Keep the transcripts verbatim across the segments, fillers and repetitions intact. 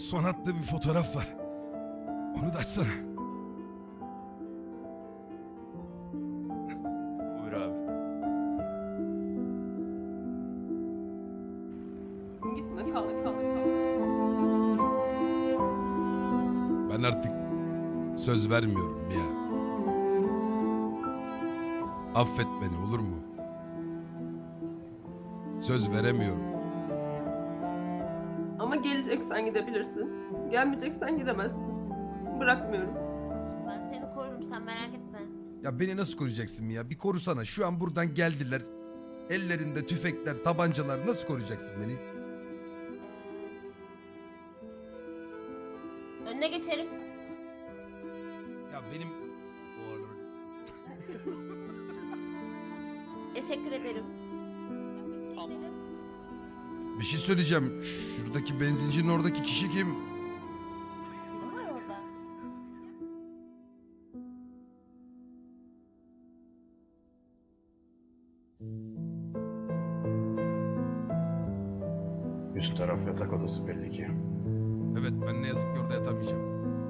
son attığı bir fotoğraf var. Onu da açsana. Buyur abi. Gitme, kal, kal, kal. Ben artık söz vermiyorum ya. Affet beni olur mu? Söz veremiyorum. Ama geleceksen gidebilirsin. Gelmeyeceksen gidemezsin. Bırakmıyorum. Ben seni korurum, sen merak etme. Ya beni nasıl koruyacaksın ya? Bir korusana. Şu an buradan geldiler. Ellerinde tüfekler, tabancalar. Nasıl koruyacaksın beni? Önüne geçerim. Ya benim... Teşekkür ederim. Bir şey söyleyeceğim. Şuradaki benzincinin oradaki kişi kim? Kim var orada? Üst taraf yatak odası belli ki. Evet, ben ne yazık ki orada yatamayacağım.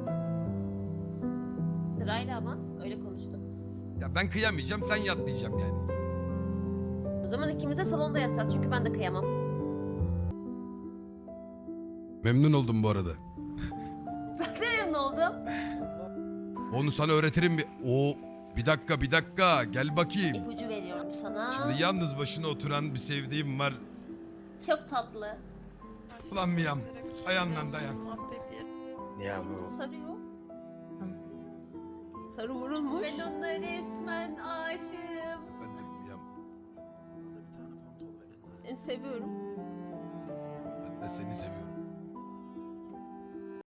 Sırayla ama öyle konuştum. Ya ben kıyamayacağım, sen yat diyeceğim yani. O zaman ikimiz de salonda yatacağız çünkü ben de kıyamam. Memnun oldum bu arada. Ben de memnun oldum. Onu sana öğretirim bir... O bir dakika bir dakika gel bakayım. İpucu veriyorum sana. Şimdi yalnız başına oturan bir sevdiğim var. Çok tatlı. Ulan Miyam dayan lan dayan. Ya bu Sarıyor. Sarı vurulmuş. Ben ona resmen aşığım. Ben de Miyam, Ben seviyorum. ben de seni seviyorum.